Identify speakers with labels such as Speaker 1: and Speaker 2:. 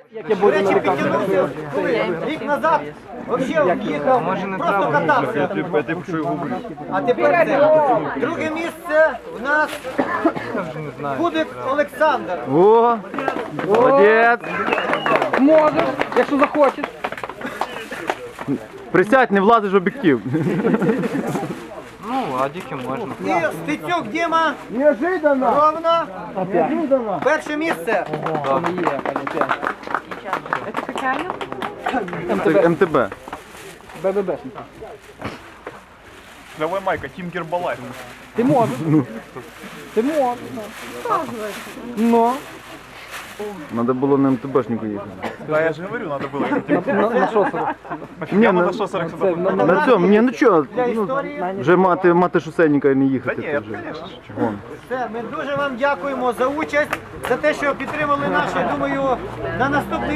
Speaker 1: До речі, підтягнувся рік назад, взагалі їхав, просто катався. А тепер це. Друге місце у нас Кудик Олександр.
Speaker 2: О, молодець.
Speaker 3: Можеш, якщо захочеш.
Speaker 2: Присядь, не влазиш в об'єктив.
Speaker 3: Ну, ладики можна.
Speaker 1: І Стецюк Діма. Неожиданно. Ровно. Перше місце.
Speaker 4: Это качаю?
Speaker 2: Це МТБ.
Speaker 3: БББшник.
Speaker 5: Давай, Майка, Тім Гербалайф.
Speaker 3: Ти можеш. Ти можеш. Ну.
Speaker 2: Надо було на МТБшнику їхати.
Speaker 5: Да, я же говорю, надо было ехать.
Speaker 3: На що 40?
Speaker 2: Ні,
Speaker 5: Прямо
Speaker 2: на,
Speaker 5: на що 40
Speaker 3: Це
Speaker 5: сюди.
Speaker 2: на цьому, ні, ну чого,
Speaker 1: Для історії.
Speaker 2: вже мати шосейника і не
Speaker 5: Та
Speaker 2: їхати.
Speaker 5: ні,
Speaker 2: це вже.
Speaker 5: конечно.
Speaker 2: Вон.
Speaker 1: Все, ми дуже вам дякуємо за участь, за те, що підтримали нас. Я думаю, на наступний